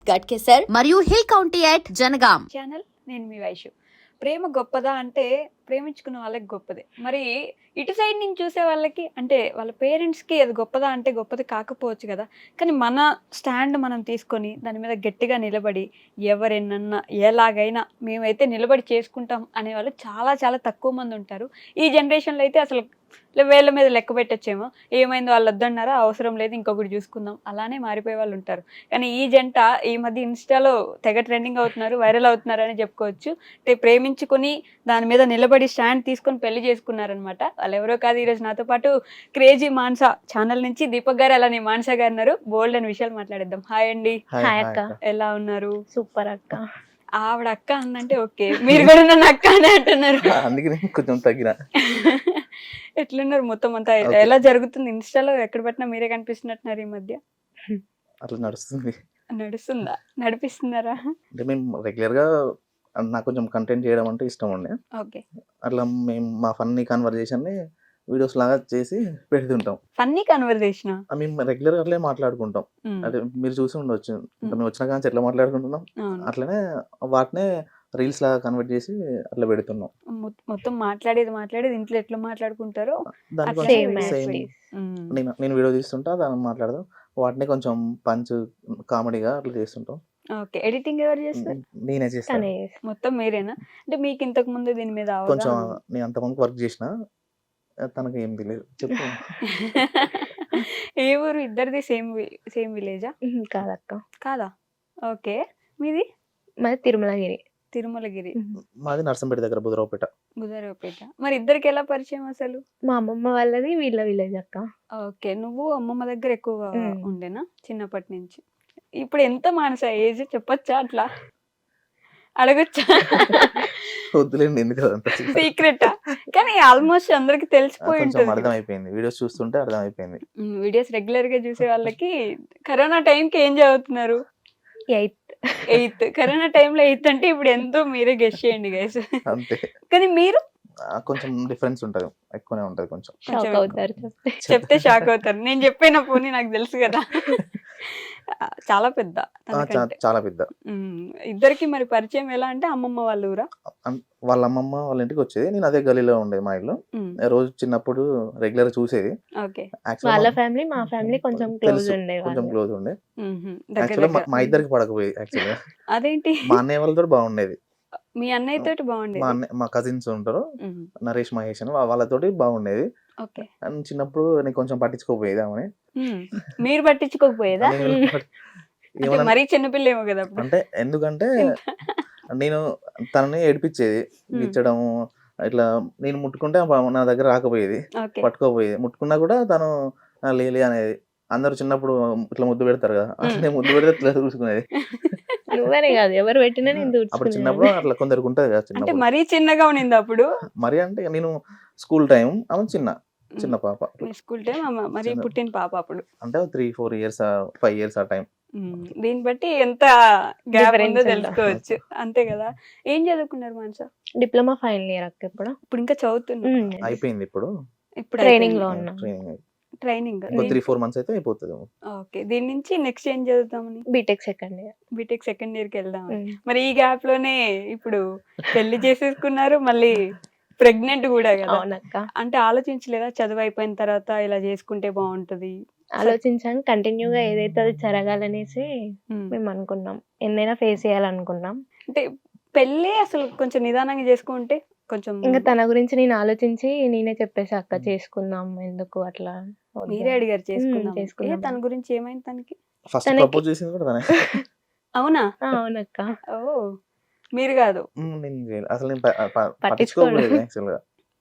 గట్కేసర్ మరియు hill county at Jangaon. Channel నేను మీ వైషు. ప్రేమ గొప్పదా అంటే ప్రేమించుకున్న వాళ్ళకి గొప్పదే. మరి ఇటు సైడ్ నుంచి చూసే వాళ్ళకి అంటే వాళ్ళ పేరెంట్స్కి అది గొప్పదా అంటే గొప్పది కాకపోవచ్చు కదా. కానీ మన స్టాండ్ మనం తీసుకొని దాని మీద గట్టిగా నిలబడి ఎవరెన్నన్నా ఎలాగైనా మేమైతే నిలబడి చేసుకుంటాం అనేవాళ్ళు చాలా చాలా తక్కువ మంది ఉంటారు. ఈ జనరేషన్లో అయితే అసలు వేళ్ళ మీద లెక్క పెట్టచ్చేమో. ఏమైందో వాళ్ళు వద్దన్నారా, అవసరం లేదు ఇంకొకటి చూసుకుందాం, అలానే మారిపోయే వాళ్ళు ఉంటారు. కానీ ఈ జంట ఈ మధ్య ఇన్స్టాలో తెగ ట్రెండింగ్ అవుతున్నారు, వైరల్ అవుతున్నారు అని చెప్పుకోవచ్చు. అంటే ప్రేమించుకుని దాని మీద నిలబడి స్టాండ్ తీసుకొని పెళ్లి చేసుకున్నారనమాట. వాళ్ళు ఎవరో కాదు, ఈరోజు నాతో పాటు క్రేజీ మాన్సా ఛానల్ నుంచి దీపక్ గారు అలానే మాన్సా గారు ఉన్నారు. బోల్డ్ అని విషయాలు మాట్లాడేద్దాం. హాయ్ అండి. హాయ్ అక్క. ఎలా ఉన్నారు? సూపర్ అక్క. ఆవిడ అక్క అందంటే ఓకే, మీరు కూడా నన్ను అక్క అనే అంటున్నారు. అందుకని కొంచెం తగ్గిన. ఎట్లున్నారు మొత్తం అంతా? ఎలా జరుగుతుంది? ఇన్స్టాలో ఎక్కడ పెట్టినా మీరే కనిపిస్తున్నట్టున్నారు ఈ మధ్య. అట్లా నడుస్తుంది. నడుస్తుందా? నడిపిస్తున్నారా? అంటే మేము రెగ్యులర్ గా నాకు కొంచెం కంటెంట్ చేయడం అంటే ఇష్టం ఉండే. ఓకే. అట్లా మేము మా ఫన్నీ కన్వర్జేషన్ ని వీడియోస్ లాగా చేసి పెడుతుంటాం. ఫన్నీ కన్వర్జేషన్ మేము రెగ్యులర్ అట్లే మాట్లాడుకుంటాం. అంటే మీరు చూసి ఉండొచ్చు, ఇంకా మేము వచ్చిన కానీ ఎట్లా మాట్లాడుకుంటున్నాం అట్లనే వాటినే రీల్స్ లాగా కన్వర్ట్ చేసి అట్లా పెడుతున్నాం. మొత్తం మాట్లాడేది ఇంట్లో ఎట్లా మాట్లాడుకుంటారో దానికోసం నేను వీడియో తీస్తుంటా, దాన్ని మాట్లాడదాం, వాటిని కొంచెం పంచ్ కామెడీగా అట్లా చేస్తుంటాం. ఓకే. ఎడిటింగ్ ఎవరు చేస్తారు? నేనే చేస్తాను. మొత్తం మీరేనా? అంటే మీకు ఇంతకు ముందు దీని మీద కొంచెం నేను అంతమంది వర్క్ చేసిన, తనకు ఏం తెలియదు. చెప్పు. ఏ ఊరు? ఇద్దరిది సేమ్ విలేజా? కాదక్క. కాదా? ఓకే. మీది? మాది తిరుమలగిరి. తిరుమలగిరి. మాది నర్సంపేట దగ్గర, బుధరావుపేట. బుధరావుపేట. మరి ఇద్దరికి ఎలా పరిచయం అసలు? మా అమ్మమ్మ వాళ్ళది వీళ్ళ విలేజ్ అక్క. ఓకే. నువ్వు అమ్మమ్మ దగ్గర ఎక్కువ ఉండేనా చిన్నప్పటి నుంచి? ఇప్పుడు ఎంత మానస ఏజ్ చెప్పొచ్చా? అట్లా అడగొచ్చా? వద్దులేండి, ఎందుకు అదంతా సీక్రెటా? కానీ ఆల్మోస్ట్ అందరికి తెలిసిపోయి ఉంటుంది. అర్థమైపోయింది, వీడియోస్ చూస్తుంటే అర్థమైపోయింది. వీడియోస్ రెగ్యులర్ గా చూసే వాళ్ళకి. కరోనా టైంకి ఏం చదువుతున్నారు? 8th. కరోనా టైంలో 8th అంటే ఇప్పుడు ఎంతో మీరే గెస్ చేయండి గైస్. అంతే. కానీ మీరు కొంచెం డిఫరెన్స్ ఉంటది, ఎక్కువనే ఉంటది. కొంచెం షాక్ అవుతారు చెప్తే షాక్ అవుతారు. నేను చెప్పిన పోనీ నాకు తెలుసు కదా. చాలా పెద్ద. చాలా పెద్ద. ఇద్దరికి మరి పరిచయం ఎలా అంటే అమ్మమ్మ వాళ్ళ ఊరా? వాళ్ళ అమ్మమ్మ వాళ్ళ ఇంటికి వచ్చేది, నేను అదే గలీలో ఉండేది మా ఇల్లు. రోజు చిన్నప్పుడు రెగ్యులర్ చూసేది. వాళ్ళ ఫ్యామిలీ మా ఫ్యామిలీ కొంచెం క్లోజ్ ఉండే. యాక్చువల్గా మా ఇద్దరికి పడకపోయేది. యాక్చువల్గా అదేంటి? మా అన్నయ్య వాళ్ళతో బాగుండేది. మీ అన్నయ్య తోటి బాగుండేది. మా కజిన్స్ ఉంటారు, నరేష్ మహేష్ అని, వాళ్ళతోటి బాగుండేది. అండ్ చిన్నప్పుడు నేను కొంచెం పట్టించుకోపోయేది ఆమెని. మీరు పట్టించుకోకపోయేదా? మరీ చిన్నపిల్ల ఏమో కదా. అంటే ఎందుకంటే నేను తనని ఏడిపించేది, ఇచ్చడం ఇట్లా. నేను ముట్టుకుంటే నా దగ్గర రాకపోయేది, పట్టుకోపోయేది. ముట్టుకున్నా కూడా తను లేలే అనేది. అందరూ చిన్నప్పుడు ఇట్లా ముద్దు పెడతారు కదా, అట్లా ముద్దు పెడితే ఇట్లా చూసుకునేది. నువ్వే కాదు, ఎవరు పెట్టినా అప్పుడు చిన్నప్పుడు అట్లా కొందరికి ఉంటది కదా. చిన్నప్పుడు మరీ చిన్నగా ఉన్నింది అప్పుడు. మరి అంటే నేను స్కూల్ టైం, ఆమె చిన్న పాప. స్కూల్ టైం మరి పుట్టిన పాప అప్పుడు అంటే 3-4 years 5 years ఆ టైం. దీన్ని బట్టి ఎంత గ్యాప్ ఉందో తెలుసుకోవచ్చు. అంతే కదా. ఏం చదువుకున్నారు మనసా? డిప్లొమా ఫైనల్ ఇయర్ అక్క. ఇప్పుడు ఇంకా చదువుతున్నా? అయిపోయింది. ఇప్పుడు ట్రైనింగ్ లో ఉన్నా. ట్రైనింగ్ 3-4 months అయితే అయిపోతుంది. ఓకే. దీని నుంచి నెక్స్ట్ ఏం చదువుతామని? బీటెక్ సెకండ్ ఇయర్ కి వెళ్దాం. మరి ఈ గ్యాప్ లోనే ఇప్పుడు పెళ్లి చేసేసుకున్నారు, మళ్ళీ ప్రెగ్నెంట్ కూడా కదా. అంటే ఆలోచించలేదా చదువు అయిపోయిన తర్వాత ఇలా చేసుకుంటే బాగుంటది? ఆలోచించాను. కంటిన్యూగా ఏదైతే అది జరగాలనేసి మేము అనుకున్నాం. ఎన్నైనా ఫేస్ చేయాలనుకున్నాం. అంటే పెళ్ళి అసలు కొంచెం నిదానంగా చేసుకుంటే కొంచెం. ఇంకా తన గురించి నేను ఆలోచించి నేనే చెప్పేసి అక్క చేసుకుందాం, ఎందుకు అట్లా. మీరే అడిగారు చేసుకుందాం. తన గురించి ఏమైంది? తనకి ఫస్ట్ ప్రపోజ్ చేసింది కూడా తనే. అవునా? అవునక్క. ఓ, మీరు కాదు? అసలు నేను పట్టించుకోలేదు యాక్చువల్గా.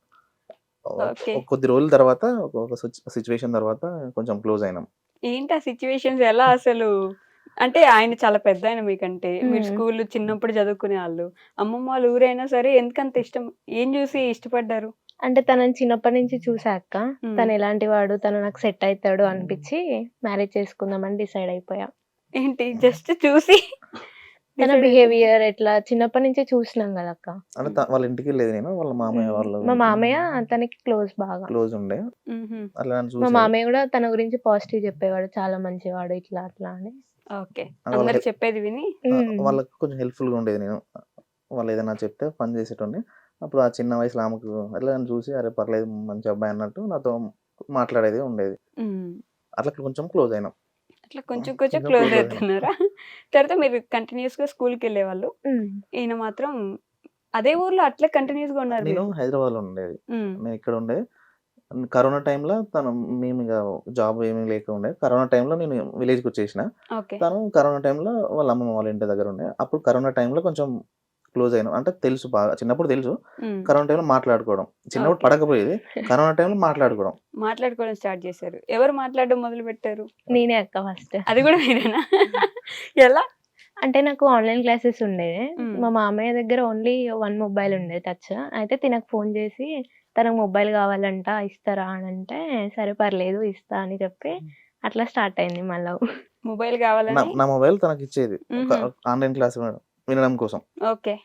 కొద్ది రోజుల తర్వాత, ఒక సిచ్యువేషన్ తర్వాత కొంచెం క్లోజ్ అయినాం. ఏంటి ఆ సిచ్యువేషన్స్? ఎలా అసలు? అంటే ఆయన చాలా పెద్ద ఆయన మీకంటే. మీరు స్కూల్ చిన్నప్పుడు చదువుకునే వాళ్ళు, అమ్మమ్మ వాళ్ళ ఊరైనా సరే ఎందుకంత ఇష్టం? ఏం చూసి ఇష్టపడ్డారు? అంటే తనని చిన్నప్పటి నుంచి చూసాక తను ఎలాంటి వాడు, తను నాకు సెట్ అవుతాడు అనిపించి మ్యారేజ్ చేసుకుందామని డిసైడ్ అయిపోయా. ఏంటి జస్ట్ చూసి? తన బిహేవియర్ ఎట్లా చిన్నప్పటి నుంచి చూసినాం కదా అక్క. వాళ్ళ ఇంటికి వెళ్ళేది నేను, వాళ్ళ మామయ్య వాళ్ళు. మా మామయ్య తనకి బాగా క్లోజ్ ఉండే. మా మామయ్య కూడా తన గురించి పాజిటివ్ చెప్పేవాడు, చాలా మంచివాడు ఇట్లా అట్లా అని. ఓకే. వాళ్ళ అందరు చెప్పేది విని వాళ్ళకి కొంచెం హెల్ప్ఫుల్గా ఉండేది నేను. వాళ్ళు ఏదైనా చెప్తే పని చేసేటోడిని. అప్పుడు ఆ చిన్న వయసులో ఆమెకు అట్లా నన్ను చూసి అరే పర్లేదు మంచి అబ్బాయి అన్నట్టు నాతో మాట్లాడేది ఉండేది. హ్మ్. అట్లా కొంచెం క్లోజ్ అయినాం. అట్లా కొంచెం కొంచెం క్లోజ్ క్లోజ్ అయినాం. అవుతున్నారా? తర్వాత మీరు కంటిన్యూస్‌గా స్కూల్‌కెళ్ళేవాళ్ళు. హ్మ్. ఈయన మాత్రం అదే ఊర్లో అట్లే కంటిన్యూస్‌గా ఉన్నారు నేను మీరు. హైదరాబాద్లో ఉండేది. హ్మ్. నేను ఇక్కడ ఉండేది. కరోనా టైంలో మేము ఇక జాబ్ ఏమీ లేకుండే. కరోనా టైంలో నేను విలేజ్‌కి వచ్చేసిన. ఓకే. తను కరోనా టైంలో వాళ్ళ అమ్మమ్మ వాళ్ళ ఇంటి దగ్గర ఉండే. అప్పుడు కరోనా టైంలో కొంచెం క్లోజ్ అయినాం. అంటే తెలుసు బాగా. చిన్నప్పుడు తెలుసు. హ్మ్. కరోనా టైంలో మాట్లాడుకోవడం. చిన్నప్పుడు ఓకే. పడకపోయేది. కరోనా టైంలో మాట్లాడుకోవడం. మాట్లాడుకోవడం స్టార్ట్ చేశారు. ఎవరు మాట్లాడడం మొదలుపెట్టారు? నేనే అక్క ఫస్ట్. అది కూడా మీరేనా? ఎలా? అంటే నాకు ఆన్‌లైన్ క్లాసెస్ ఉండేది. హ్మ్. మా మామయ్య దగ్గర ఓన్లీ 1 మొబైల్ ఉండేది టచ్. అయితే తినకు ఫోన్ చేసి తనకు మొబైల్ కావాలంట ఇస్తారా అనంటే, సరే పర్లేదు ఇస్తా అని చెప్పి అట్లా స్టార్ట్ అయింది మా లవ్. మొబైల్ కావాలని నా మొబైల్ తనకిచ్చేది. హుహు. ఆన్‌లైన్ క్లాస్ వినడం కోసం. ఓకే.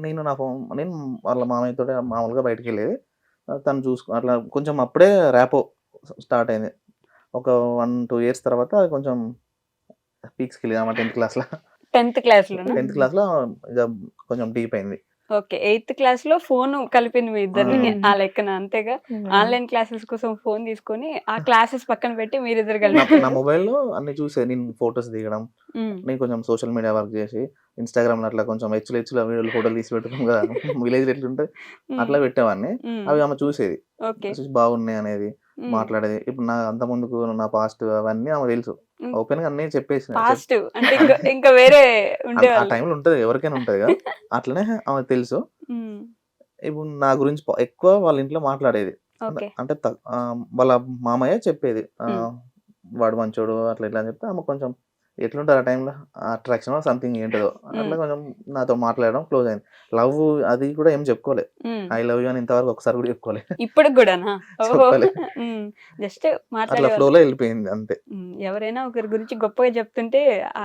నేను వాళ్ళ మామయ్యతోటి మామూలుగా బయటికెళ్ళేది. తను అట్లా కొంచెం అప్పుడే ర్యాపో స్టార్ట్ అయింది. ఒక 1, 2 ఇయర్స్ తర్వాత అది కొంచెం పీక్స్‌కెళ్ళింది 10థ్ క్లాస్‌లో. 10th క్లాస్‌లోనా? 10థ్ క్లాస్‌లో ఇక కొంచెం డీప్ అయింది. ఓకే. 8th క్లాస్‌లో ఫోను కలిపింది మీ ఇద్దరిని. హ్మ్. ఆ లెక్కన అంతేగా? హ్మ్. ఆన్‌లైన్ క్లాసెస్ కోసం ఫోన్ తీసుకొని, ఆ క్లాసెస్ పక్కన పెట్టి మీరిద్దరు నా కలిపారు. మొబైల్‌లో అన్నీ చూసేది. నేను ఫోటోస్ దిగడం. హ్మ్. నేను కొంచెం సోషల్ మీడియా వర్క్ చేసి, ఇన్‌స్టాగ్రామ్‌లో అట్లా కొంచెం హెచ్చుల వీడియోలు ఫోటోలు తీసి పెడతాం కదా! విలేజ్‌లో ఎట్లుంటది హ్మ్. అట్లా పెట్టేవాడిని. హ్మ్. అవి ఆమె చూసేది. ఓకే. చూసి బాగున్నాయి అనేది, హ్మ్. మాట్లాడేది. ఇప్పుడు అంత ముందుకు నా పాస్ట్ అవన్నీ ఆమెకు తెలుసు. హ్మ్. ఓపెన్‌గా అన్నీ చెప్పేసిన. పాస్ట్ అంటే ఇంకా వేరే ఆ ఉండేవాళ్ళు. టైంలో ఉంటది. ఎవరికైనా ఉంటది కదా! అట్లనే ఆమెకు తెలుసు. హ్మ్. ఇప్పుడు నా గురించి ఎక్కువ వాళ్ళ ఇంట్లో మాట్లాడేది. ఓకే. అంటే వాళ్ళ మామయ్య చెప్పేది. హ్మ్. వాడు మంచోడు అట్లా ఇట్లా అని చెప్తే ఆమె కొంచెం ఎట్లుంటది ఆ టైంలో అట్రాక్షనో సంథింగ్ ఏంటిదో హ్మ్. అట్లా కొంచెం నాతో మాట్లాడడం క్లోజ్ అయింది. లవ్ అది కూడా ఏం చెప్పుకోలే. హ్మ్. ఐ లవ్ యూ అని ఇంతవరకు ఒకసారి కూడా చెప్పుకోలే. ఇప్పటికి గూడానా? ఓహో! చెప్పలే. హ్మ్. జస్ట్ అట్లా మాట్లాడేవాళ్ళు. ఫ్లోలో వెళ్ళిపోయింది అంతే. హ్మ్. ఎవరైనా ఒకరి గురించి గొప్పగా చెప్తుంటే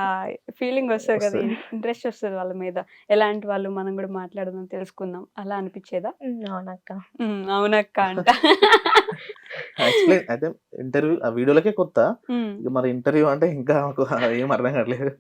ఫీలింగ్ వస్తది కదా! వస్తది. ఇంట్రెస్ట్ వస్తది వాళ్ళ మీద. ఎలాంటి వాళ్ళు మనం గూడా మాట్లాడదాం, తెలుసుకుందాం అలా అనిపిచ్చేదా? అవునక్క. హ్మ్. అవునక్క అంట. ఎక్స్‌ప్లెయిన్ అయితే ఆ వీడియోలకే కొత్త. హ్మ్. ఇక మరి ఇంటర్వ్యూ అంటే ఇంకా నాకు ఏం అర్థం కావట్లేదు.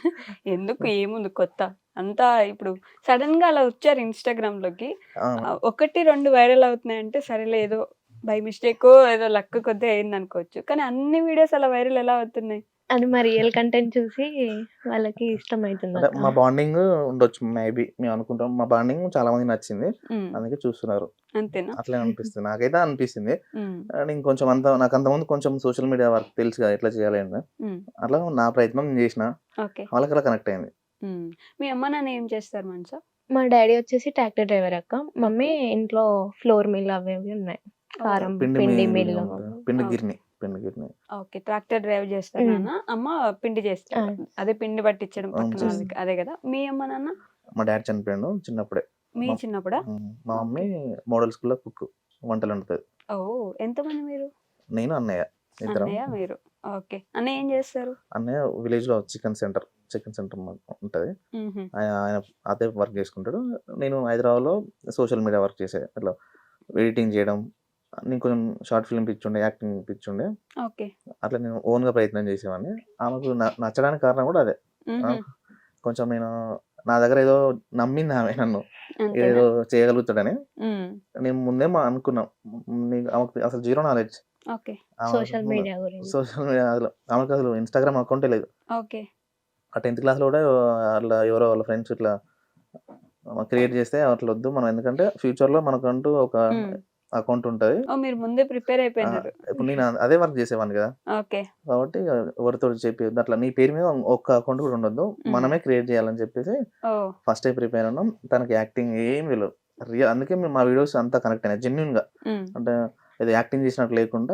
ఎందుకు ఏముంది కొత్త? అంతా ఇప్పుడు సడెన్‌గా అలా వచ్చారు ఇన్‌స్టాగ్రామ్‌లోకి. అవును. 1, 2 వైరల్ అవుతున్నాయంటే సరేలే ఏదో బై మిస్టేకో ఏదో లక్ కొద్దీ అయిందనుకోవచ్చు. కానీ అన్ని వీడియోస్ అలా వైరల్ ఎలా అవుతున్నాయి? అది మా రియల్ కంటెంట్ చూసి వాళ్ళకి అంటే ఇష్టమైతుందక్క. మా బాండింగ్ ఉండొచ్చు మేబీ. మేము అనుకుంటాం. మా బాండింగ్ చాలా మందికి నచ్చింది. హ్మ్. అందుకే చూస్తున్నారు. అంతేనా? అట్లే అనిపిస్తుంది. నాకైతే అనిపిస్తుంది. హ్మ్. నేను కొంచెం నాకు అంతకుముందు కొంచెం సోషల్ మీడియా వర్క్ తెలుసు కదా! ఎట్లా చేయాలి అని. హ్మ్. అట్లా నా ప్రయత్నం నేను చేసిన. ఓకే. వాళ్ళకి అలా కనెక్ట్ అయింది. హ్మ్. మీ అమ్మ, నాన్న ఏం చేస్తారు మనసా? మా డ్యాడీ వచ్చేసి ట్రాక్టర్ డ్రైవర్ అక్క. మమ్మీ ఇంట్లో ఫ్లోర్ మిల్ అవి ఇవి ఉన్నాయి. కారం పిండి పిండి మిల్లు మిల్లు. ఉంటది. పిండి ఓకే. గిర్ని. పిండి గిర్ని. ఓకే. ట్రాక్టర్ డ్రైవ్ చేస్తారు హ్మ్. నాన్న. అమ్మ పిండి ఆ! చేస్తారు. అదే పిండి పట్టించడం పక్కన చేస్తా. వాళ్ళకి. అదే గదా! మీ అమ్మ, నాన్న? మా డ్యాడీ చనిపోయిండు చిన్నప్పుడే. మీ మా చిన్నప్పుడా? మా ఓకే. మమ్మీ మోడల్ స్కూల్‌లో కుక్. వంటలు వండుతది. ఓహ్! ఎంతమంది మీరు? నేను, అన్నయ్య ఇద్దరం. అన్నయ్య, మీరు. ఓకే. అన్నయ్య ఏం చేస్తారు? అన్నయ్య విలేజ్‌లో చికెన్ సెంటర్ ఉంటది. హుహు. ఆయన అదే వర్క్ చేసుకుంటాడు. నేను హైదరాబాద్‌లో సోషల్ మీడియా వర్క్ చేసేది. ఇట్లా ఎడిటింగ్ చేయడం. నేను కొంచెం షార్ట్ ఫిల్మ్ పిచ్చుండే, యాక్టింగ్ పిచ్చుండే. ఓకే. అట్లా నేను ఓన్‌గా ప్రయత్నం చేసేవాడిని. ఆమెకు నచ్చడానికి కారణం కూడా అదే. ఆ! హుహు. కొంచెం నా దగ్గర ఏదో నమ్మింది ఆమె నన్ను. అంతేనా? ఏదో చేయగలుగుతాడని. హ్మ్. నేను ముందే అనుకున్నాం. ఆమెకు అసలు zero knowledge. Okay. Social media గురించి. సోషల్ మీడియా ఆమెకు అసలు ఇన్‌స్టాగ్రామ్ అకౌంటే లేదు. ఓకే. ఆ 10థ్ క్లాస్‌లో కూడా అట్లా ఎవరో వాళ్ళ ఫ్రెండ్స్ ఇట్లా క్రియేట్ చేస్తే అట్లా వద్దు. మనం ఎందుకంటే ఫ్యూచర్‌లో మనకంటూ ఒక హ్మ్. అకౌంట్ ఉంటది. ఓహ్! మీరు ముందే ప్రిపేర్ అయిపోయినారు. ఇప్పుడు నేను అదే వర్క్ చేసేవాడిని కదా! ఓకే. కాబట్టి ఎవరితోటి చెప్పియొద్దు. అట్లా నీ పేరు మీద ఒక్క అకౌంట్ కూడా ఉండొద్దు. హ్మ్. మనమే క్రియేట్ చేయాలని చెప్పేసి ఓహ్! ఫస్టే ప్రిపేర్ ఉన్నాం. తనకి యాక్టింగ్ ఏమి తెలవదు. అందుకే మా వీడియోస్ అంతా కనెక్ట్ అయినాయి. జెన్యూన్‌గా. హ్మ్. అంటే ఏదో యాక్టింగ్ చేసినట్టు లేకుండా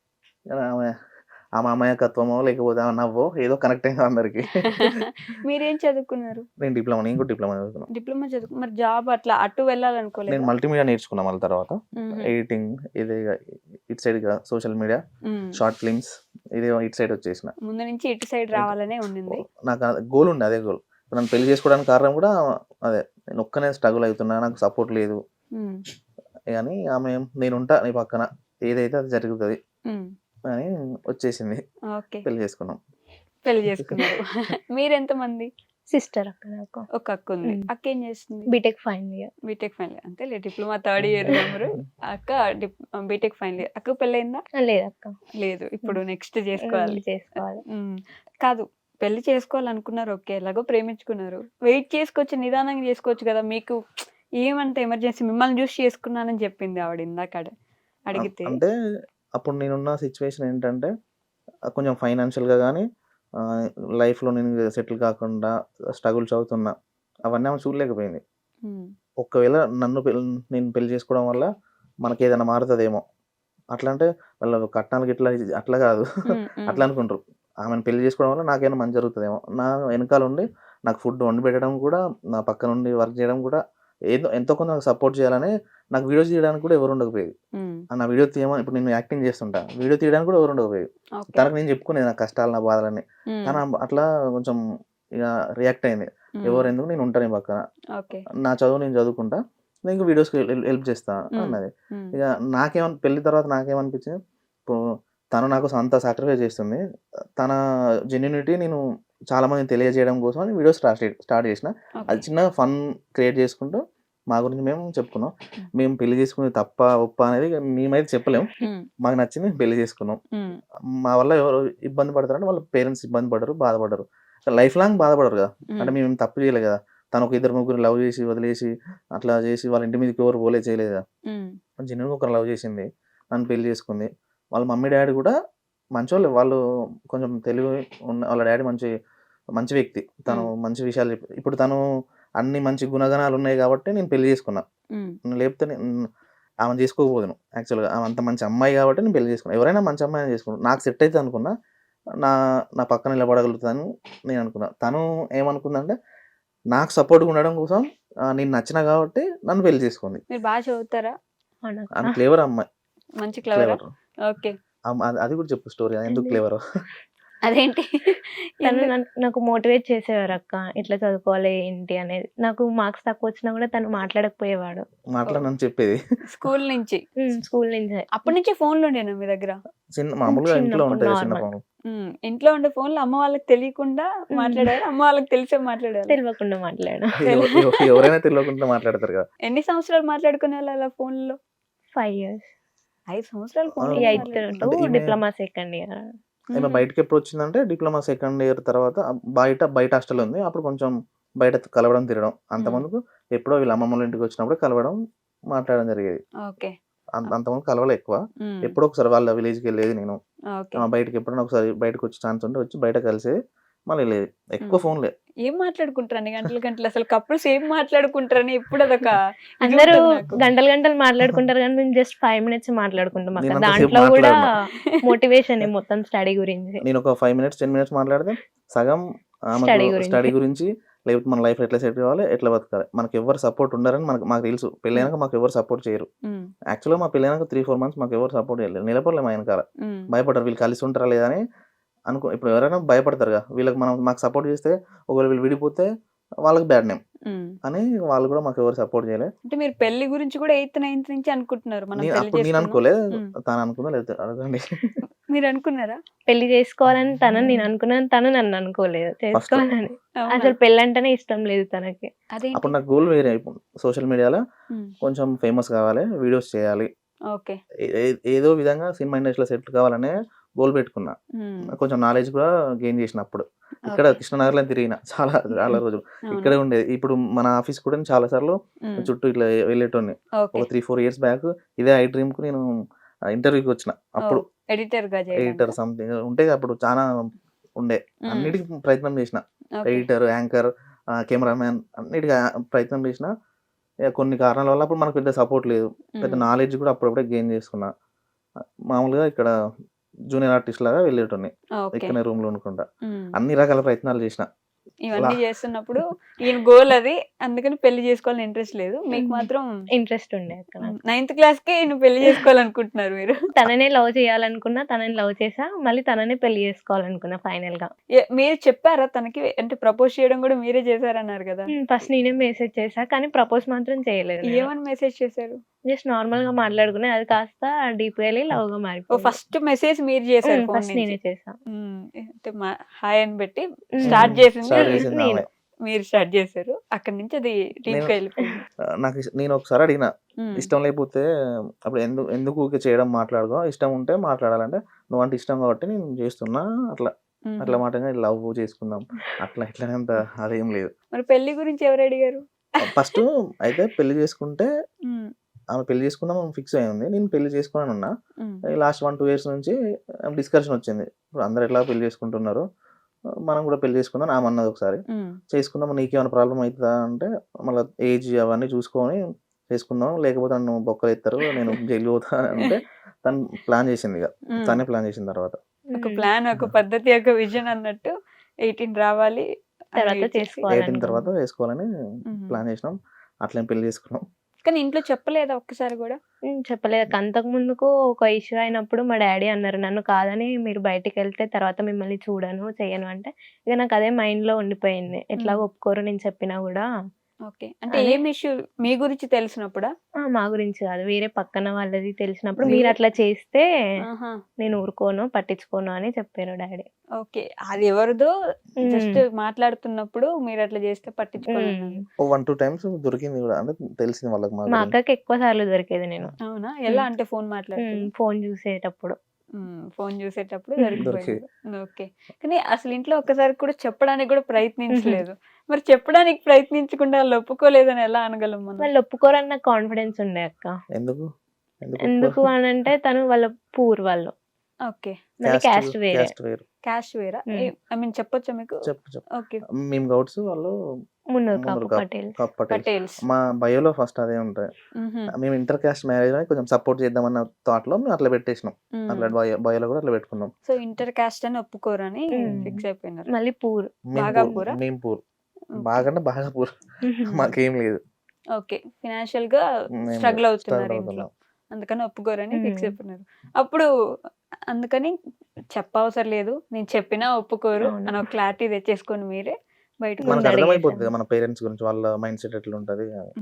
ఆమె ఆమె అమాయకత్వమో లేకపోతే ఆమె నవ్వో ఏదో కనెక్ట్ అయింది అందరికి. మీరేం చదువుకున్నారు? నేను కూడా డిప్లొమా చదువుకున్నా. డిప్లొమా మరి జాబ్ అట్లా అటు నేను వెళ్ళాలనుకోలేదా? మల్టీమీడియా నేర్చుకున్నా మళ్ళీ తర్వాత. హుహు. ఎడిటింగ్ ఇది ఇటు సైడ్ సోషల్ మీడియా, హ్మ్. షార్ట్ ఫిల్మ్స్ ఇది ఇటు సైడ్ వచ్చేసిన. ముందు నుంచి ఇటు సైడ్ రావాలనే ఉండింది. నాకు గోల్ ఉండే అదే గోల్. నన్ను పెళ్లి చేసుకోవడానికి కారణం కూడా అదే. నేను ఒక్కనే స్ట్రగుల్ అవుతున్నా. నాకు సపోర్ట్ లేదు. హ్మ్. కానీ ఆమె నేనుంటా నీ పక్కన. ఏదైతే అది జరుగుతది హ్మ్. అని వచ్చేసింది. ఓకే. పెళ్లి చేసుకున్నాం. పెళ్లి చేసుకున్నారు. మీరెంతమంది? సిస్టర్ అక్క నాకు. ఒక అక్క ఉంది. అక్క ఏం చేస్తుంది? BTech final year. BTech final అంతేలే, డిప్లొమా థర్డ్ ఇయర్ నెంబరు. అక్క బీటెక్ ఫైనల్ ఇయర్. అక్క పెళ్ళయిందా? లేదక్క. లేదు, ఇప్పుడు నెక్స్ట్ చేసుకోవాలి. చేసుకోవాలి. కాదు, పెళ్లి చేసుకోవాలనుకున్నారు, ఓకే, ఎలాగో ప్రేమించుకున్నారు, వెయిట్ చేసుకోవచ్చు, నిదానంగా చేసుకోవచ్చు కదా. మీకు ఏమంటే ఎమర్జెన్సీ మిమ్మల్ని చూసి చేసుకున్నానని చెప్పింది ఆవిడ ఇందాక అడిగితే. అంటే అప్పుడు నేనున్న సిచ్యువేషన్ ఏంటంటే కొంచెం ఫైనాన్షియల్గా కానీ లైఫ్లో నేను సెటిల్ కాకుండా స్ట్రగుల్స్ అవుతున్నా, అవన్నీ ఆమె చూడలేకపోయింది. ఒకవేళ నేను పెళ్లి చేసుకోవడం వల్ల మనకి ఏదైనా మారుతుందేమో అట్లా, అంటే వాళ్ళ కట్నాలకి ఇట్లా అట్లా కాదు అట్లా అనుకుంటారు. ఆమెను పెళ్లి చేసుకోవడం వల్ల నాకేమైనా మంచి జరుగుతుందేమో, నా వెనకాల ఉండి నాకు ఫుడ్ వండి పెట్టడం కూడా, నా పక్క నుండి వర్క్ చేయడం కూడా, ఎంతో కొంత నాకు సపోర్ట్ చేయాలని, నాకు వీడియోస్ తీయడానికి కూడా ఎవరు ఉండకపోయేది. నా వీడియో తీయమని, ఇప్పుడు నేను యాక్టింగ్ చేస్తుంటా, వీడియో తీయడానికి కూడా ఎవరు ఉండకపోయేది. తనకు నేను చెప్పుకునేది నా కష్టాలు, నా బాధలని. తను అట్లా కొంచెం ఇక రియాక్ట్ అయింది. ఎవరు ఎందుకు, నేను ఉంటాను పక్కన, నా చదువు నేను చదువుకుంటా, నేను వీడియోస్కి హెల్ప్ చేస్తా అన్నది. ఇక పెళ్లి తర్వాత నాకేమనిపించింది, ఇప్పుడు తను నాకు అంత సాక్రిఫైస్ చేస్తుంది, తన జెన్యూనిటీ నేను చాలా మందిని తెలియజేయడం కోసం వీడియోస్ స్టార్ట్ చేసిన. అది చిన్నగా ఫన్ క్రియేట్ చేసుకుంటూ మా గురించి మేము చెప్పుకున్నాం. మేము పెళ్లి చేసుకునేది తప్ప ఒప్ప అనేది మేమైతే చెప్పలేము, మాకు నచ్చింది పెళ్లి చేసుకున్నాం. మా వల్ల ఎవరు ఇబ్బంది పడతారంటే వాళ్ళ పేరెంట్స్ ఇబ్బంది పడరు, బాధపడరు, లైఫ్ లాంగ్ బాధపడరు కదా. అంటే మేము తప్పు చేయలేదు కదా, తను ఒక 2-3 లవ్ చేసి వదిలేసి అట్లా చేసి వాళ్ళ ఇంటి మీదకి ఎవరు పోలే చేయలేదు కదా. జెన్యూన్గా ఒకరు లవ్ చేసింది, నన్ను పెళ్లి చేసుకుంది. వాళ్ళ మమ్మీ డాడీ కూడా మంచోళ్ళు, వాళ్ళు కొంచెం తెలివి ఉన్న, వాళ్ళ డాడీ మంచి వ్యక్తి, తను మంచి విషయాలు చెప్పి, ఇప్పుడు తను అన్ని మంచి గుణగణాలు ఉన్నాయి కాబట్టి నేను పెళ్లి చేసుకున్నా. లేకపోతే ఆమె చేసుకోకపోదును. యాక్చువల్గా ఆమె అంత మంచి అమ్మాయి కాబట్టి నేను పెళ్లి చేసుకున్నాను. ఎవరైనా మంచి అమ్మాయిని చేసుకున్నాను, నాకు సెట్ అయితే అనుకున్నా, నా పక్కన నిలబడగలుగుతాను నేను అనుకున్నా. తను ఏమనుకుందంటే నాకు సపోర్ట్గా ఉండడం కోసం నేను నచ్చిన కాబట్టి నన్ను పెళ్లి చేసుకుంది. మీరు బాగా చదువుతారా? ఆమె క్లేవర్ అమ్మాయి, మంచి క్లేవర్. ఓకే, అది కూడా చెప్పు స్టోరీ, ఎందుకు క్లేవర్? అదేంటి? తను నాకు మోటివేట్ చేసేవారు అక్క, ఇట్లా చదువుకోవాలి ఏంటి అనేది. నాకు మార్క్స్ తక్కువ వచ్చినా కూడా తను మాట్లాడకపోయేవాడు. మాట్లాడనని చెప్పేది స్కూల్ నుంచి అప్పటి నుంచి ఫోన్లు ఉండేనా మీ దగ్గర? మామూలుగా ఇంట్లో ఉంటాయి చిన్న ఫోన్లు. ఇంట్లో ఉండే ఫోన్లు అమ్మ వాళ్ళకి తెలియకుండా మాట్లాడారు, అమ్మ వాళ్ళకి తెలిసే మాట్లాడారు? తెలియకుండా మాట్లాడాను. ఎవరైనా తెలియకుండా మాట్లాడతారు కదా. ఎన్ని సంవత్సరాలు మాట్లాడుకునే అలా ఫోన్లో? 5 years. 5 సంవత్సరాలు phone. 8th to diploma second year. ఆమె బయటకి ఎప్పుడు వచ్చిందంటే డిప్లొమా సెకండ్ ఇయర్ తర్వాత బయట హాస్టల్ ఉంది, అప్పుడు కొంచెం బయట కలవడం తిరగడం. అంతమందుకు ఎప్పుడో వీళ్ళ అమ్మమ్మల ఇంటికి వచ్చినప్పుడు కలవడం, మాట్లాడడం జరిగేది. అంతమంది కలవలే ఎక్కువ, ఎప్పుడో ఒకసారి వాళ్ళ విలేజ్కి వెళ్ళేది నేను. బయటకి ఎప్పుడైనా ఒకసారి బయటకు వచ్చి ఛాన్స్ ఉంటే వచ్చి బయట కలిసేది, మళ్ళీ వెళ్ళేది. ఎక్కువ ఫోన్లే. ఏం మాట్లాడుకుంటారని గంటలు అసలు కప్పుల్స్ ఏం మాట్లాడుకుంటారని ఎప్పుడు అదొక అందరూ గంటలు మాట్లాడుకుంటారు కానీ మేము జస్ట్ 5 minutes మాట్లాడుకుంటాం అక్కడ. దాంట్లో కూడా మోటివేషన్ మొత్తం స్టడీ గురించి. నేను ఒక 5 minutes 10 minutes మాట్లాడితే సగం స్టడీ గురించి, లేకపోతే మన లైఫ్ ఎట్లా సెట్ కావాలి, ఎట్లా బతకాలి. మనకి ఎవరు సపోర్ట్ ఉండరని మాకు తెలుసు. పెళ్ళైనాక మాకు ఎవరు సపోర్ట్ చేయరు. యాక్చువల్గా మా పెళ్ళైనాక 3-4 months మాకు ఎవరు సపోర్ట్ చేయలేదు, నిలబడలేము. వెనకాల భయపడరు, వీళ్ళు కలిసి ఉంటారా లేదా అని ఇప్పుడు ఎవరైనా భయపడతారు కదా, వీళ్ళకి మాకు సపోర్ట్ చేస్తే ఒకవేళ వీళ్ళు విడిపోతే వాళ్ళకి బ్యాడ్ నేమ్ అని వాళ్ళు కూడా మాకు ఎవరు సపోర్ట్ చేయలేదు. అంటే మీరు పెళ్లి గురించి కూడా 8th 9th నుంచి అనుకుంటున్నారు? నేను అనుకోలేదు, తను అనుకున్నా లేదు. అడగండి, మీరు అనుకున్నారా పెళ్లి చేసుకోవాలని? నేను అనుకున్నాను, తను నన్ను అనుకోలేదు చేసుకోవాలని. అసలు పెళ్లి అంటేనే ఇష్టం లేదు తనకి. అప్పుడు నాకు గోల్ వేరే. సోషల్ మీడియాలో కొంచెం ఫేమస్ కావాలి, వీడియోస్ చేయాలి, ఏదో విధంగా సినిమా ఇండస్ట్రీలో సెటిల్ కావాలనే గోల్ పెట్టుకున్నా. కొంచెం నాలెడ్జ్ కూడా గెయిన్ చేసినప్పుడు ఇక్కడ కృష్ణనగర్లో తిరిగిన చాలా రోజులు ఇక్కడే ఉండేది. ఇప్పుడు మన ఆఫీస్ కూడా చాలా సార్లు చుట్టూ ఇట్లా వెళ్ళేటోని. ఒక 3-4 years బ్యాక్ ఇదే ఐ డ్రీమ్ కు నేను ఇంటర్వ్యూకి వచ్చిన. అప్పుడు ఎడిటర్ సంథింగ్ ఉంటే అప్పుడు చాలా ఉండే, అన్నిటికీ ప్రయత్నం చేసిన. ఎడిటర్, యాంకర్, కెమెరామ్యాన్ అన్నిటికీ ప్రయత్నం చేసిన. కొన్ని కారణాల వల్ల అప్పుడు మనకు పెద్ద సపోర్ట్ లేదు, పెద్ద నాలెడ్జ్ కూడా అప్పుడప్పుడే గెయిన్ చేసుకున్నా. మామూలుగా ఇక్కడ జూనియర్ ఆర్టిస్ట్ లాగా వెళ్ళేటోని, ఇక్కడనే రూమ్ లో ఉండకుండా. అన్ని రకాల ప్రయత్నాలు చేసిన, ఇవన్నీ చేస్తున్నప్పుడు ఈయన గోల్ అది, అందుకని పెళ్లి చేసుకోవాలని ఇంట్రెస్ట్ లేదు. మీకు మాత్రం ఇంట్రెస్ట్ ఉండే అక్కడ. 9th క్లాస్కే ఈయన పెళ్లి చేసుకోవాలనుకుంటున్నారు మీరు. తననే లవ్ చేయాలనుకున్నా, తనని లవ్ చేసా, మళ్ళీ తననే పెళ్లి చేసుకోవాలనుకున్నా ఫైనల్ గా. మీరు చెప్పారా తనకి? అంటే ప్రపోజ్ చేయడం కూడా మీరే చేశారన్నారు కదా. ఫస్ట్ నేనే మెసేజ్ చేసా, కానీ ప్రపోజ్ మాత్రం చేయలేదు. ఏమని మెసేజ్ చేశారు? జస్ట్ నార్మల్ గా మాట్లాడుకునే, అది కాస్త డీప్ గా వెళ్ళి లవ్ గా మారిపోయింది. ఫస్ట్ మెసేజ్ మీరు చేశారు? ఫస్ట్ నేనే చేసా. అంటే హాయ్ అని పెట్టి స్టార్ట్ చేసింది Start చేసింది ఆమె. మీరు స్టార్ట్ చేశారు. అక్కడ నుంచి అది డీప్ గా వెళ్ళిపోయింది. నేను ఒకసారి అడిగిన, ఇష్టం లేకపోతే అప్పుడు ఎందుకు ఊరికే చేయడం, మాట్లాడుకో, ఇష్టం ఉంటే మాట్లాడాలంటే నువ్వు అంటే ఇష్టం కాబట్టి నేను చేస్తున్నా, అట్లా మాటగా లవ్ చేసుకుందాం అట్లా ఇట్లానేంత అదేం లేదు. మరి పెళ్లి గురించి ఎవరు అడిగారు? ఫస్ట్ అయితే పెళ్లి చేసుకుంటే ఆమె పెళ్లి చేసుకుందాం ఫిక్స్ అయింది, నేను పెళ్లి చేసుకోవాలని ఉన్నా. లాస్ట్ 1-2 years నుంచి డిస్కషన్ వచ్చింది, ఇప్పుడు అందరు ఎట్లా పెళ్లి చేసుకుంటున్నారు, మనం కూడా పెళ్లి చేసుకుందాం ఆమె అన్నది. ఒకసారి చేసుకుందాం, నీకేమైనా ప్రాబ్లం అవుతుందా అంటే, మళ్ళీ ఏజ్ అవన్నీ చూసుకొని చేసుకుందాం, లేకపోతే నన్ను బొక్కలు ఎత్తారు, నేను జైలు పోతా అంటే తను ప్లాన్ చేసింది. ఇక తనే ప్లాన్ చేసిన తర్వాత ఒక ప్లాన్, ఒక పద్ధతి, ఒక విజన్ అన్నట్టు 18 రావాలి, తర్వాత 18 తర్వాత వేసుకోవాలని ప్లాన్ చేసినాం, అట్లా పెళ్లి చేసుకున్నాం. కానీ ఇంట్లో చెప్పలేదా ఒక్కసారి కూడా? చెప్పలేదు. అంతకు ముందుకు ఒక ఇష్యూ అయినప్పుడు మా డాడీ అన్నారు, నన్ను కాదని మీరు బయటికి వెళ్తే తర్వాత మిమ్మల్ని చూడను చెయ్యను అంటే, ఇక నాకు అదే మైండ్ లో ఉండిపోయింది. ఎట్లా ఒప్పుకోరు నేను చెప్పినా కూడా. ఓకే, అంటే ఏం ఇష్యూ? మీ గురించి తెలిసినప్పుడా? మా గురించి కాదు, వేరే పక్కన వాళ్ళది తెలిసినప్పుడు, మీరు అట్లా చేస్తే నేను ఊరుకోను, పట్టించుకోను అని చెప్పారు డాడీ. ఓకే, అది ఎవరిదో జస్ట్ మాట్లాడుతున్నప్పుడు మీరు అట్లా చేస్తే పట్టించుకోను. 1-2 times దొరికింది కూడా, అంటే తెలిసింది వాళ్ళకి. మా అక్కకి ఎక్కువ సార్లు దొరికేది నేను. అవునా? ఎలా అంటే ఫోన్ మాట్లాడుతూ? ఫోన్ చూసేటప్పుడు దొరికిపోయింది. ఓకే, కానీ అసలు ఇంట్లో ఒక్కసారి కూడా చెప్పడానికి కూడా ప్రయత్నించలేదు. మరి చెప్పడానికి ప్రయత్నించకుండా వాళ్ళు ఒప్పుకోలేదని ఎలా అనగలం మనం? వాళ్ళు ఒప్పుకోరని నాకు కాన్ఫిడెన్స్ ఉండే అక్క. ఎందుకు అని అంటే, తను వాళ్ళ పూర్ వాళ్ళు. ఓకే, క్యాస్ట్ వేరే. క్యాస్ట్ వేరా? ఐ మీన్ చెప్పొచ్చా మీకు? ఓకే, మేము గౌడ్స్, వాళ్ళు మున్నూరు పటేల్స్. మా బయోలో ఫస్ట్ అదే ఉంటాయి. మేము ఇంటర్ కాస్ట్ మ్యారేజ్ అని కొంచెం సపోర్ట్ చేద్దామన్న థాట్ లో మేము అట్లా పెట్టేసినాం, అట్లా బయోలో కూడా అట్లా పెట్టుకున్నాం. సో ఇంటర్ కాస్ట్ అని ఒప్పుకోరని ఫిక్స్ అయిపోయినారు. మళ్ళీ పూర్, బాగా పూరా? మేము పూర్, బాగా బాగా పూర్, మాకేం లేదు. ఓకే, ఫినాన్షియల్ గా స్ట్రగుల్ అవుతున్నారు ఇంట్లో, అందుకని ఒప్పుకోరని ఫిక్స్ అయిపోయినారు. అప్పుడు అందుకని చెప్పవసరం లేదు, నేను చెప్పినా ఒప్పుకోరు అని ఒక క్లారిటీ తెచ్చేసుకొని మీరే బయటకు మనకు అర్థమైపోతుంది మన పేరెంట్స్ గురించి, వాళ్ళ మైండ్ సెట్ ఎట్లా ఉంటది.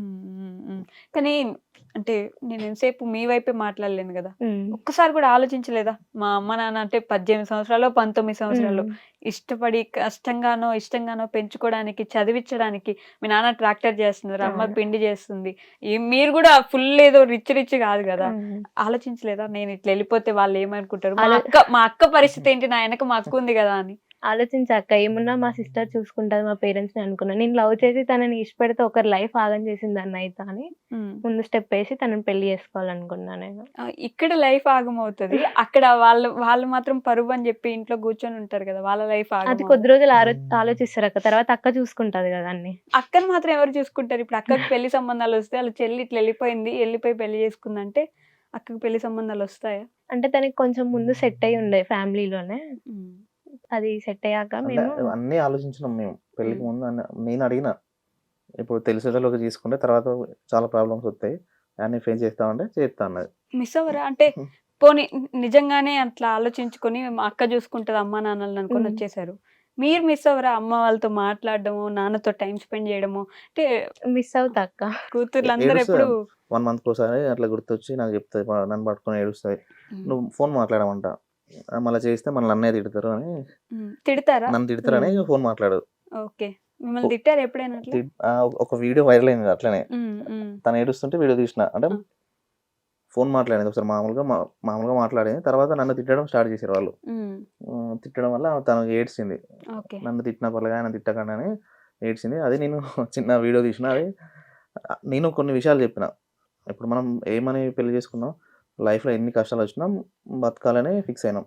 కానీ అంటే నేను ఎంతసేపు మీ వైపే మాట్లాడలేను కదా, ఒక్కసారి కూడా ఆలోచించలేదా? మా అమ్మ నాన్న అంటే 18 సంవత్సరాలు 19 సంవత్సరాలు ఇష్టపడి ఇష్టంగానో పెంచుకోవడానికి, చదివించడానికి, మీ నాన్న ట్రాక్టర్ చేస్తున్నారు, అమ్మ పిండి చేస్తుంది, మీరు కూడా ఫుల్ ఏదో రిచ్ కాదు కదా, ఆలోచించలేదా నేను ఇట్లా వెళ్ళిపోతే వాళ్ళు ఏమనుకుంటారు, మా అక్క పరిస్థితి ఏంటి, నా వెనక మా అక్క ఉంది కదా అని? ఆలోచించాక ఏమున్నా మా సిస్టర్ చూసుకుంటది మా పేరెంట్స్ ని అనుకున్నా. నేను లవ్ చేసి తనని ఇష్టపెడితే ఒకరి లైఫ్ ఆగం చేసింది అన్న అయితే అని ముందు స్టెప్ వేసి తనని పెళ్లి చేసుకోవాలనుకున్నా నేను. ఇక్కడ లైఫ్ ఆగం అవుతుంది, అక్కడ వాళ్ళు మాత్రం పరువు అని చెప్పి ఇంట్లో కూర్చొని ఉంటారు కదా, వాళ్ళ లైఫ్ ఆగం. అది కొద్ది రోజులు ఆలోచిస్తారు అక్క, తర్వాత అక్క చూసుకుంటది కదా అన్ని. అక్కని మాత్రం ఎవరు చూసుకుంటారు? ఇప్పుడు అక్కకి పెళ్లి సంబంధాలు వస్తే, వాళ్ళ చెల్లి ఇట్లా వెళ్ళిపోయి పెళ్లి చేసుకుందంటే అక్కకి పెళ్లి సంబంధాలు వస్తాయా? అంటే తనకి కొంచెం ముందు సెట్ అయి ఉండే ఫ్యామిలీలోనే, అది సెట్ అయ్యాక మేము అన్ని ఆలోచించినాం. మేము పెళ్లికి ముందు నేను అడిగిన, ఇప్పుడు తెలిసేటోళ్ళకి తీసుకుంటే తర్వాత చాలా ప్రాబ్లమ్స్ వస్తాయి, అన్ని ఫేస్ చేస్తామంటే చేస్తా అన్నది. మిస్ అవ్వరా? అంటే పోనీ నిజంగానే అట్లా ఆలోచించుకొని మా అక్క చూసుకుంటది అమ్మా నాన్నలు అనుకొని వచ్చేసారు, మీరు మిస్ అవ్వరా? అమ్మ వాళ్ళతో మాట్లాడడము, నాన్నతో టైం స్పెండ్ చేయడము. అంటే మిస్ అవుతా అక్క. కూతుర్లు అందరూ ఎప్పుడు 1 month ఒకసారి అట్లా గుర్తొచ్చి నాకు చెప్తాది, నన్ను పట్టుకొని ఏడుస్తుంది, నువ్వు ఫోన్ మాట్లాడమంట, మళ్ళీ చేస్తే మన అన్నయ్య తిడతారు అని. తిడతారా? నన్ను తిడతారని ఫోన్ మాట్లాడదు. ఓకే, మిమ్మల్ని తిట్టారు ఎప్పుడైనా? ఒక వీడియో వైరల్ అయింది అట్లనే, తను ఏడుస్తుంటే వీడియో తీసిన, అంటే ఫోన్ మాట్లాడింది ఒకసారి, మామూలుగా మాట్లాడింది, తర్వాత నన్ను తిట్టడం స్టార్ట్ చేశారు వాళ్ళు. తిట్టడం వల్ల తను ఏడ్చింది, నన్ను తిట్టిన పర్లేదు ఆయన తిట్టకండి అని ఏడ్చింది. అది నేను చిన్న వీడియో తీసిన, అది నేను కొన్ని విషయాలు చెప్పిన. ఇప్పుడు మనం ఏమని పెళ్లి చేసుకున్నాం, లైఫ్లో ఎన్ని కష్టాలు వచ్చినా బతకాలని ఫిక్స్ అయినాం.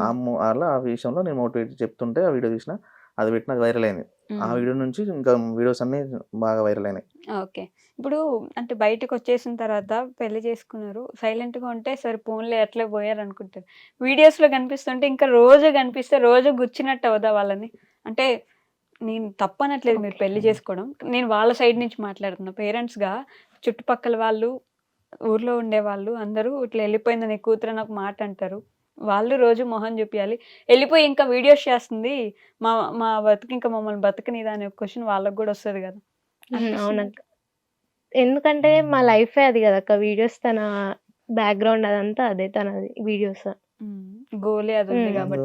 ఆ విషయంలో నేను మోటివేట్ చెప్తుంటే ఆ వీడియో తీసిన, అది పెట్టిన వైరల్ అయింది. ఆ వీడియో నుంచి ఇంకా వీడియోస్ అన్ని బాగా వైరల్ అయినాయి. ఓకే, ఇప్పుడు అంటే బయటకు వచ్చేసిన తర్వాత పెళ్లి చేసుకున్నారు, సైలెంట్ గా ఉంటే సరే ఫోన్లో ఎట్లా పోయారు అనుకుంటారు, వీడియోస్ లో కనిపిస్తుంటే ఇంకా రోజు కనిపిస్తే రోజు గుచ్చినట్టు అవుదా వాళ్ళని? అంటే నేను తప్పనట్లేదు మీరు పెళ్లి చేసుకోవడం, నేను వాళ్ళ సైడ్ నుంచి మాట్లాడుతున్నా. పేరెంట్స్గా చుట్టుపక్కల వాళ్ళు, ఊర్లో ఉండేవాళ్ళు అందరూ ఇట్లా వెళ్ళిపోయింది నీ కూతురు అని ఒక మాట అంటారు. వాళ్ళు రోజు మొహం చూపించాలి, వెళ్ళిపోయి ఇంకా వీడియోస్ చేస్తుంది, మా మా బతుకు ఇంకా మమ్మల్ని బతకనిదా అనే క్వశ్చన్ వాళ్ళకి కూడా వస్తుంది కదా. అవునక్క. ఎందుకంటే మా లైఫే అది కదక్క. వీడియోస్ తన బ్యాక్గ్రౌండ్ అదంతా అదే తనది వీడియోస్. గోలే అది ఉంది కాబట్టి